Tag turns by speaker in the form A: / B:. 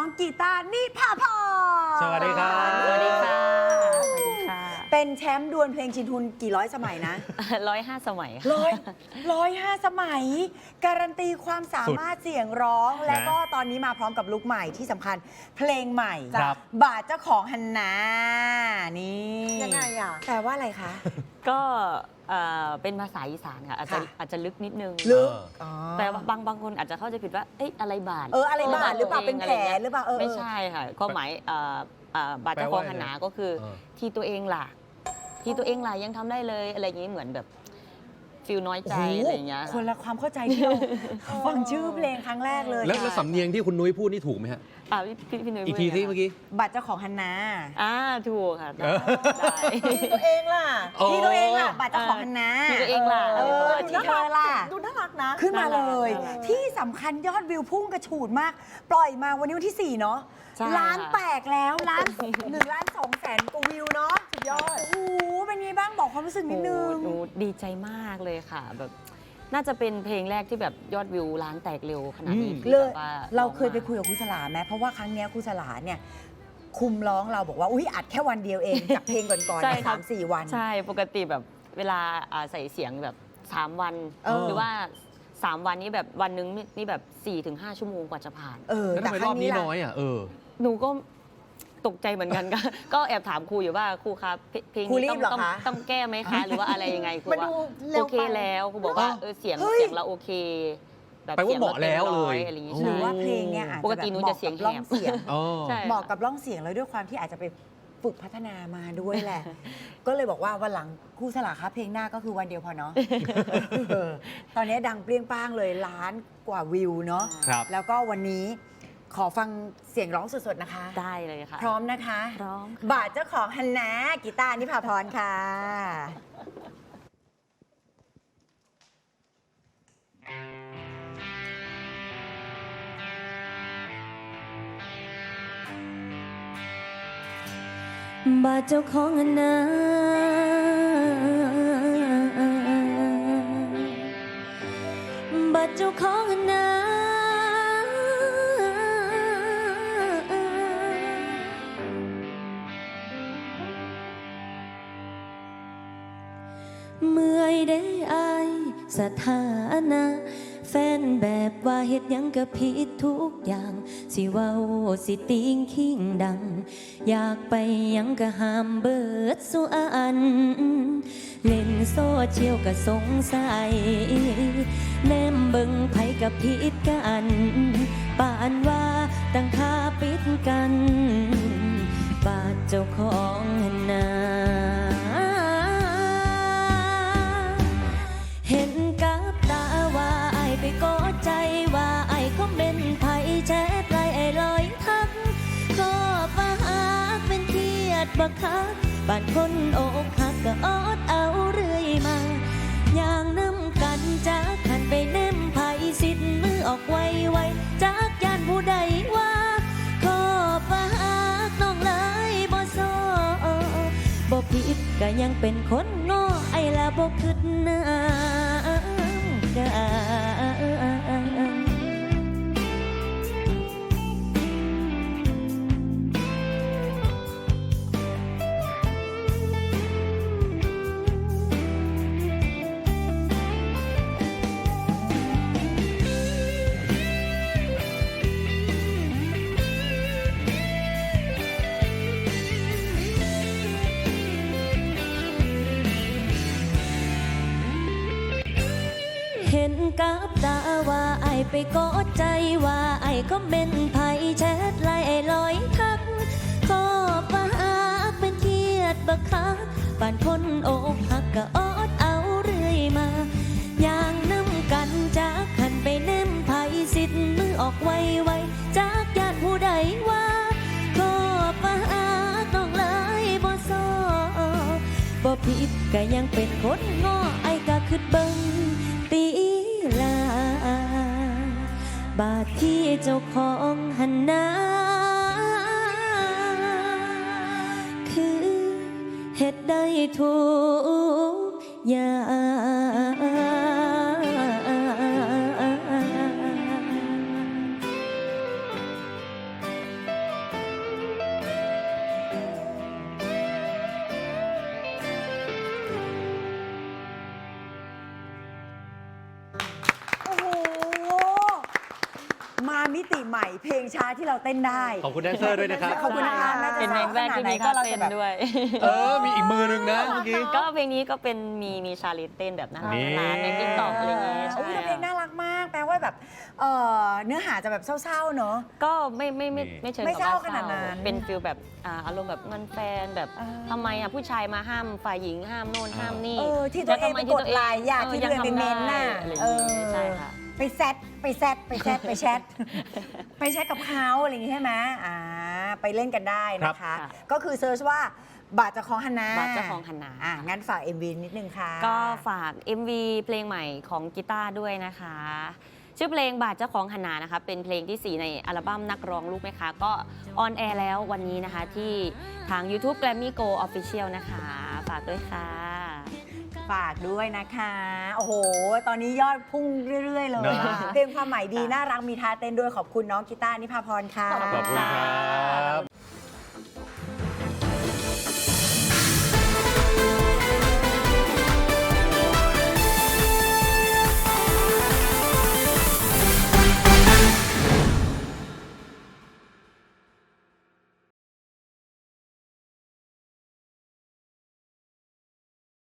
A: กีตาร์นิพาพร
B: สวัสดีครับ
C: สวัสดีค่ะสวัสดีค่ะ
A: เป็นแชมป์ดวลเพลงชินทุนกี่ร้อยสมัยนะ
C: 105 สมัยค่ะ
A: 105 สมัย การันตีความสามารถเสียงร้อง และก็ตอนนี้มาพร้อมกับลุคใหม่ที่สำคัญเพลงใหม่
B: ครับ
A: บาทเจ้าของฮันนานี่
D: ยังไงอ่ะ
A: แปลว่าอะไรคะ
C: ก็เป็นภาษาอีสานค่ะอาจจะลึกนิดนึง
A: ลึก
C: แต่ว่าบางคนอาจจะเข้าใจผิดว่าเอ๊ะอะไรบาท
A: อะไรบาทหรือเปล่าเป็นแผลหรือเปล่า
C: ไม่ใช่ค่ะความหมายบาทเจ้าของหันหนาก็คือที่ตัวเองล่ะที่ตัวเองล่ะยังทำได้เลยอะไรอย่างนี้เหมือนแบบฟิลน้อยใจอะไรอย่างเงี้ย
A: คนละความเข้าใจที่เราฟังชื่อเพลงครั้งแรกเลย
B: แล้วสำเนียงที่คุณนุ้ยพูดนี่ถูกไหมฮะ
C: พี่นุ้ย
B: อีกทีสิเมื่อกี้
A: บัตรเจ้าของฮันนา
C: ถูกค่ะได้
D: ที่ตัวเองล่ะ
A: ที่ตัวเองล่ะบัตรเจ้าของฮันนา
C: ที่ตัวเองล่ะ
A: ที่เธอล่ะ
D: ดูน่ารักนะ
A: ขึ้นมาเลย
C: น่ารัก
A: ที่สำคัญยอดวิวพุ่งกระฉูดมาก ปล่อยมาวันนี้วันที่ 4 เนาะ
C: ใช่
A: ล้าน
C: ค่ะ
A: แตกแล้วล้าน1,200,000 กว่าวิวเนาะสุดยอด โอ้โหเป็นไงบ้างบอกความรู้สึกนิดนึง
C: หนูดีใจมากเลยค่ะแบบน่าจะเป็นเพลงแรกที่แบบยอดวิวล้านแตกเร็วขนาดนี้ที่
A: เลย
C: แบบว่า
A: เราเคยไปคุยกับครูสลาไหมเพราะว่าครั้งเนี้ยครูสลาเนี่ยคุมร้องเราบอกว่าอุ้ยอัดแค่วันเดียวเอง จากเพลงก่อนๆ
C: ใช่
A: เนี่ย
C: ครับ
A: 3-4 วัน
C: ใช่ปกติแบบเวลาใส่เสียงแบบ3 วัน หรือว่า3 วันนี้แบบวันหนึงนี่แบบ4-5 ชั่วโมงกว่าจะผ่าน
B: แล้วทำไมรอบนี้น้อยอ่ะ
C: หนูก็ตกใจเหมือนกัน ก็แอบถามครูอยู่ว่าครูครับเพลง
A: ครูรี
C: นี้
A: บเหรอคะ
C: ต้องแก้ไหมคะ หรือว่าอะไรยังไงครู
D: มัน
C: ว่า
D: ดูเร็
C: โอ
D: ว
C: เค
D: ไป
C: แล้วครูบอกว่าเสียงเราโอเคแบบ
B: แปลว่าเหมาะแล้วเลย
C: อะไรอย่างงี้
A: หรือ
C: ใช่
A: ว่าเพลงเนี่ยอาจ
C: ป
A: จะ
C: ก
A: แบบ
C: ติหนู
A: เหมาะ
C: จะเสียง
A: กับร่อง
C: แหบ
A: เสียง
B: อ๋อ
C: ใช่
A: เหมาะกับร่องเสียงแล้วด้วยความที่อาจจะไปฝึกพัฒนามาด้วยแหละ ก็เลยบอกว่าวันหลังครูสลาคะเพลงหน้าก็คือวันเดียวพอเนาะ ตอนนี้ดังเปรี้ยงป้างเลยล้านกว่าวิวเนาะ
B: ครับ
A: แล้วก็วันนี้ขอฟังเสียงร้องสดๆนะคะ
C: ได้เลยค่ะ
A: พร้อมนะคะ
C: พร้อม
A: บาทเจ้าของฮันนากีตาร์นิพาพรค่ะ
E: บาดเจ้าของอันนาบาดเจ้าของอันนาเมื่อยได้อายสถานะแฟนแบบว่าเฮ็ดหยังก็ผิดทุกอย่างสิเว้าสิติงขิงดังอยากไปหยังก็ห้ามเบิดสุอันเล่นโซเชียลก็สงสัยแนมเบิ่งไผกับผิดกันป่านว่าตั้งค่าปิดกันบาดเจ้าของนาเห็นกับตาว่าไอไปกอดใจว่าไอก็เป็นไผแชทไลน์ไอลอยทักก็ปะหากเป็นเครียดบักคักบ้านคนอกหักก็อดเอาเรื่อยมาอย่างน้ำกันจากขันไปแนมไผสิทธิ์มือออกไวจากยานผู้ใดว่าขอปะหากน้องเลยบ่ซอบ่ผิดก็ยังเป็นคนโง่ไอละบ่คิดน้ำกัน เห็นกับตาว่าไอไปกอดใจว่าไอก็เป็นไผแชทไลน์ไอลอยทักขอปะหากเป็นเครียดบักคักป่านคนอกหักก็อดเอาเรื่อยมาอย่างน้ำกันจากขันไปแนมไผสิทธิ์มือออกไวจากญาติผู้ใดว่าขอปะหากน้องเลยบ่ซอบ่ผิดก็ยังเป็นคนง้อไอก็คิดเบิ่งตีลาบาดที่เจ้าของหันนาคือเฮ็ดได้ทุกอย่าง
A: ใหม่เพลงช้าที่เราเต้นได้
B: ขอบคุณแดนเซอร์ด้วยนะครับ
A: ขอบคุณนะคะแม้จะ
C: เป็นเพลงแรกที่มี
A: ก็
C: ท่า
A: เรา
C: เต้
A: จะ
C: น
A: แบบ
C: ด้วย
B: มีอีกมือหนึงนะเมื่อกี้
C: ก็เพลงนี้ก็เป็นมีชาเลนจ์เต้นแบบน่ารัก
B: นี่
C: น่ารักในติ๊กต็อกอะไรเงี้ย
A: โอ้
C: ใช่
A: ยแต่เพลงน่ารักมาก แปลว่าแบบเนื้อหาจะแบบเศร้าๆเนอะ
C: ก็ไม่เชิง
A: ไม่
C: กับ
A: เศร้า
C: ว่า
A: ขนาดนั้น
C: เป็นฟิลแบบอารมณ์แบบเงินแฟนแบบ
A: อ่า
C: ทำไมผู้ชายมาห้ามฝ่ายหญิงห้ามโน่นห้ามนี่
A: ที่ตัวเองไปกดไลน์อยากที่ตัวเองไปเมนต์น่ะ
C: อะไรอย่างงี้ใช่ค่ะ
A: ไปแชทไปแชทไปแชทไปแชทกับเขาอะไรอย่างงี้ใช่ไหมไปเล่นกันได้นะคะ
C: ครับ
A: ก็คือเซิร์ชว่าบาทเจะของฮันนา
C: บาทเจ้าของฮันนา
A: งั้นฝาก MV นิดนึงค่ะ
C: ก็ฝาก MV เพลงใหม่ของกีตาร์ด้วยนะคะ ชื่อเพลงบาทเจ้าของหนนานะคะเป็นเพลงที่ 4 ในอัลบั้มนักร้องลูกไหมคะก็ออนแอร์แล้ววันนี้นะคะที่ทาง YouTube Grammy Go Official นะคะ ฝากด้วยค่ะ
A: ฝากด้วยนะคะ โอ้โห ตอนนี้ยอดพุ่งเรื่อย ๆ เลย
B: นะ
A: เพลงความหมายดี น่ารักมีท่าเต้นด้วยขอบคุณน้องกีตาร์นิพาพรค่ะ
B: ขอบคุณครับ